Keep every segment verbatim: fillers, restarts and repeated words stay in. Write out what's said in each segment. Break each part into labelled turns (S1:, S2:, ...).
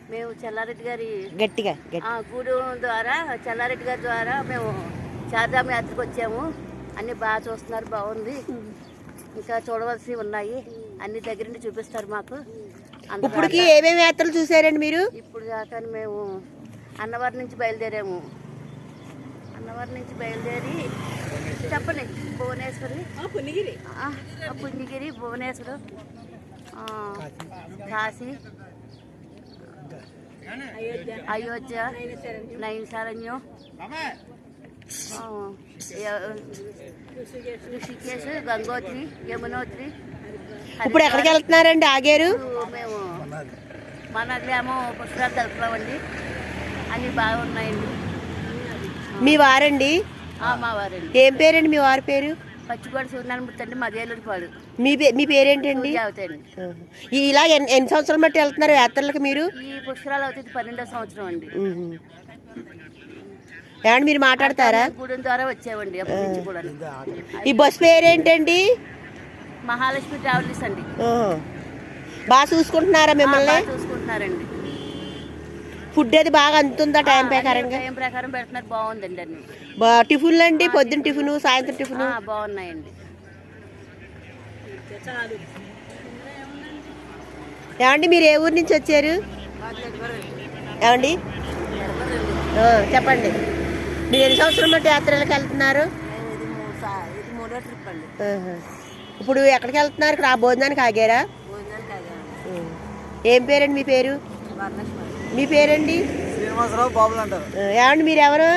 S1: మేము చెల్లారెడ్డి గారి
S2: గట్టిగా
S1: గూడెం ద్వారా చెల్లారెడ్డి గారి ద్వారా మేము చార్ధామ యాత్రకు వచ్చాము. అన్ని బాగా చూస్తున్నారు, బాగుంది. ఇంకా చూడవలసినవి ఉన్నాయి, అన్ని దగ్గర నుండి చూపిస్తారు మాకు.
S2: ఇప్పటికి ఏమేమి యాత్రలు చూసారండి మీరు?
S1: ఇప్పుడు దాకా మేము అన్నవరం నుంచి బయలుదేరాము. అన్నవరం నుంచి బయలుదేరి చెప్పండి భువనేశ్వరి, పుణ్యగిరి పుణ్యగిరి భువనేశ్వరం, కాశీ, అయోధ్య, నైమిషారణ్యం, ఋషికేశ్, గంగోత్రి, యమునోత్రి.
S2: ఇప్పుడు ఎక్కడికి వెళ్తున్నారండి? ఆగారు.
S1: మేము మనలేమో పుష్కరాలు తెలుపుతామండి, అన్ని బాగున్నాయండి.
S2: మీ వారండి?
S1: మా వారండి.
S2: ఏం పేరండి మీ వారి పేరు?
S1: పచ్చిగోడ సూర్యనారాయణ అండి, మదేలూరు పాడు.
S2: మీ మీ పేరేంటండి? ఇలా ఎన్ని సంవత్సరాలు బట్టి వెళ్తున్నారు యాత్రలకు మీరు?
S1: ఈ పుష్కరాలు అవుతుంది పన్నెండో సంవత్సరం అండి.
S2: ఏమండి మీరు మాట్లాడతారా?
S1: గూడెం ద్వారా వచ్చామండి అప్పటి నుంచి కూడా.
S2: ఈ బస్ పేరేంటండి?
S1: మహాలక్ష్మి ట్రావెల్స్ అండి.
S2: బాగా చూసుకుంటున్నారా మిమ్మల్ని?
S1: చూసుకుంటున్నారండి.
S2: ఫుడ్ అది బాగా అందుతుందా టైం ప్రకారంగా?
S1: టైం ప్రకారం పెడుతున్నారు, బాగుందండి. అన్ని
S2: టిఫిన్లు అండి, పొద్దున్న టిఫిన్, సాయంత్రం టిఫిన్
S1: బాగున్నాయండి.
S2: ఏమండి మీరు ఏ ఊరు నుంచి వచ్చారు? ఏమండి చెప్పండి, మీరు ఎన్ని సంవత్సరం బట్టి యాత్రలకు వెళ్తున్నారు? ఇప్పుడు ఎక్కడికి వెళ్తున్నారు? ఇక్కడ ఆ భోజనానికి ఆగారా? ఏం పేరండి మీ పేరు? మీ పేరండి?
S3: శ్రీనివాసరావు బాబులు అంటారు.
S2: ఏమండి మీరు ఎవరు?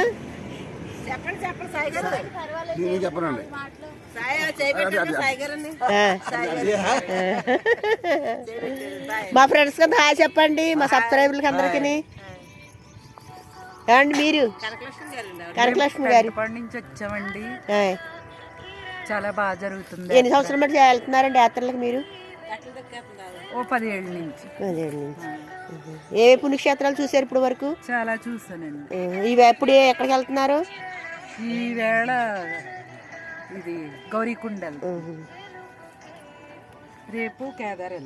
S2: మా ఫ్రెండ్స్ కదా హాయ్ చెప్పండి, మా సబ్స్క్రైబర్లకి అందరికి. ఏమండి మీరు? కనకలక్ష్మి గారు
S4: నుంచి వచ్చామండి. చాలా బాగా జరుగుతుంది.
S2: ఎన్ని సంవత్సరం బట్టి వెళ్తున్నారండి యాత్రలకు మీరు?
S4: ఓ పదిహేళ్ళ నుంచి.
S2: పదిహేళ్ళ నుంచి. ఏ పుణ్యక్షేత్రాలు చూసారు ఇప్పుడు వరకు?
S4: చాలా చూసానండి.
S2: ఇవి ఎప్పుడు ఎక్కడికి వెళ్తున్నారు?
S4: ఈవేళ ఇది గౌరీకుండల్, రేపు కేదార్.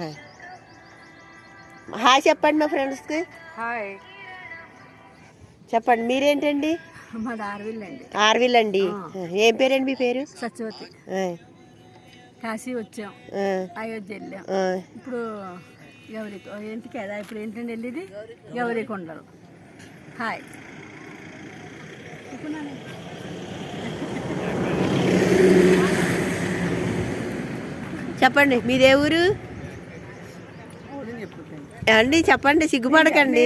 S2: హాయ్ చెప్పండి మా ఫ్రెండ్స్కి.
S4: హాయ్
S2: చెప్పండి. మీరేంటండి?
S4: మాది ఆర్విల్ అండి.
S2: ఆర్విల్ అండి. ఏం పేరండి మీ పేరు?
S4: సత్యవతి. కాశీ వచ్చాం, అయోధ్య వెళ్ళాం, ఇప్పుడు గౌరీ ఏంటి కదా ఇప్పుడు ఏంటండి వెళ్ళేది గౌరీకొండలు. హాయ్
S2: చెప్పండి మీదే ఊరు అండి? చెప్పండి, సిగ్గుపడకండి.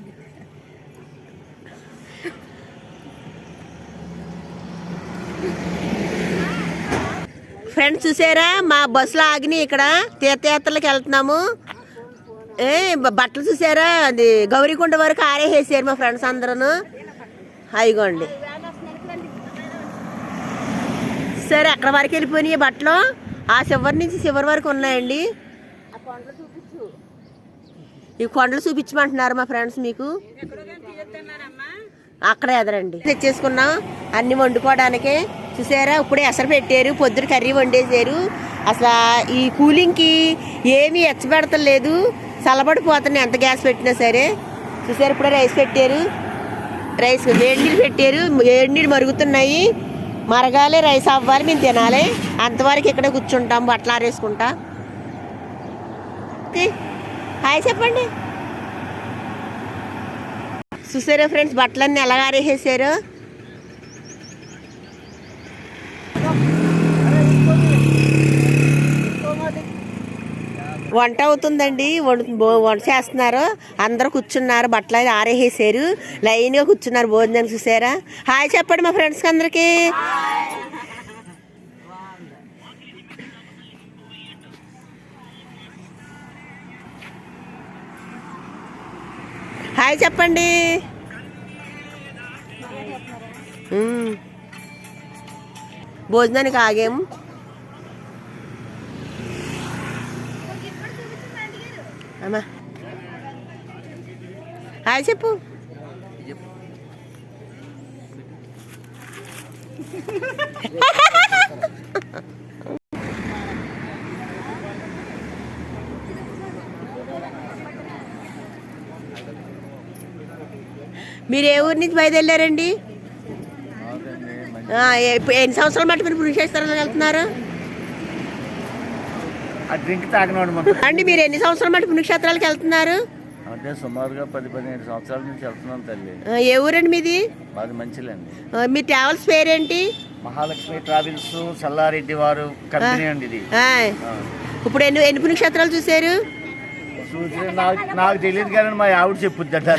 S2: ఫ్రెండ్స్ చూసారా మా బస్సులో ఆగినాయి. ఇక్కడ తీర్థయాత్రలకు వెళ్తున్నాము. ఏ బట్టలు చూసారా? అది గౌరీకొండ వరకు ఆరేసేసారు మా ఫ్రెండ్స్ అందరూ. అయిగోండి సరే, అక్కడ వరకు వెళ్ళిపోయినాయి బట్టలు. ఆ చివరి నుంచి చివరి వరకు ఉన్నాయండి. ఈ కొండలు చూపించమంటున్నారు మా ఫ్రెండ్స్ మీకు. అక్కడ ఎదరండి తెచ్చేసుకున్నాం అన్ని వండుకోవడానికి. చూసారా ఇప్పుడే ఎసరు పెట్టారు, పొద్దున కర్రీ వండేసారు. అసలు ఈ కూలింగ్కి ఏమీ ఎచ్చబెడతలేదు, చల్లబడిపోతున్నాయి ఎంత గ్యాస్ పెట్టినా సరే. చూసారు ఇప్పుడే రైస్ పెట్టారు, రైస్ వేడి నీళ్ళు పెట్టారు, వేడి నీళ్ళు మరుగుతున్నాయి. మరగాలి, రైస్ అవ్వాలి, మేము తినాలి. అంతవరకు ఇక్కడే కూర్చుంటాం బట్టలు ఆరేసుకుంటా. హాయ్ చెప్పండి. చూసారా ఫ్రెండ్స్ బట్టలన్నీ ఎలా ఆరేసేసారు. వంట అవుతుందండి, వంట చేస్తున్నారు. అందరూ కూర్చున్నారు, బట్టలు అయితే ఆరేసేసారు, లైన్గా కూర్చున్నారు భోజనానికి. చూసారా? హాయ్ చెప్పండి మా ఫ్రెండ్స్కి అందరికీ. హాయ్ చెప్పండి. భోజనానికి ఆగాము. అమ్మా హాయ్ చెప్పు. మీరు ఏ ఊరి నుంచి బయలుదేరారండి? ఆ, ఎప్పు- ఎన్ని సంవత్సరాలు మట్టి మీరు పుణ్యక్షేత్రాలకు వెళ్తున్నారు
S3: డ్రింక్ తాగినవాడు
S2: అండి? మీరు ఎన్ని సంవత్సరాలు మట్టి పుణ్యక్షేత్రాలకు వెళ్తున్నారు?
S3: అంటే సుమారుగా పది పదిహేను సంవత్సరాల నుంచి వెళ్తున్నాం తల్లి.
S2: ఆ, ఏ ఊరండి మీది?
S3: మాది మంచిలండి.
S2: ఆ, మీ ట్రావెల్స్ పేరేంటి?
S3: మహాలక్ష్మి ట్రావెల్స్ చల్లారెడ్డి వారు కంపెనీ అండి ఇది.
S2: ఆ, ఇప్పుడు ఎన్ని ఎన్ని పుణ్యక్షేత్రాలు చూసారు?
S3: చూసి నాకు నాకు తెలియదు కానీ మా ఆవిడ చెప్పుద్దంట.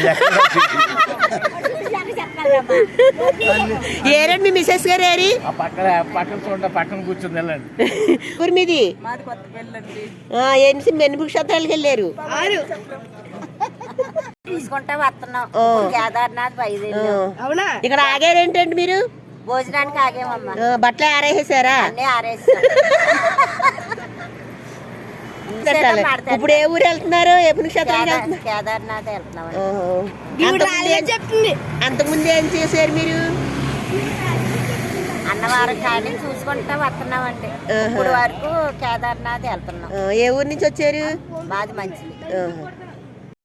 S2: ఏరండి మీ మిసెస్ గారు ఏరి?
S3: ఆ పక్కన పక్కన చూడండి, పక్కన కూర్చుంది వెళ్ళండి.
S2: ఊరు మీది? ఆ, ఎన్ని ఎన్ని పుణ్యక్షేత్రాలకు వెళ్ళారు?
S1: చూసుకుంటా వస్తున్నాం.
S2: ఆ.
S1: కేదార్నాథ్ బయలుదేరి
S2: ఇక్కడ ఆగారేంటండి మీరు?
S1: భోజనానికి ఆగేమమ్మా.
S2: ఆ, బట్టలు ఆరేసారా?
S1: అన్నీ ఆరేస్తాం.
S2: ఇప్పుడు ఏ ఊరు వెళ్తున్నారు? ఏ పుణ్యక్షేత్రానికి వెళ్తున్నారు?
S1: కేదార్నాథ్ వెళ్తున్నాం.
S2: అంతకుముందు అంతకుముందు ఏం చేశారు మీరు?
S1: అన్నవరం కానీ చూసుకుంటా వస్తున్నామండి. ఇప్పుడు వరకు కేదార్నాథ్ వెళ్తున్నాం.
S2: ఆ, ఏ ఊరు నుంచి వచ్చారు?
S1: మాది మంచిది.
S2: ఆహా.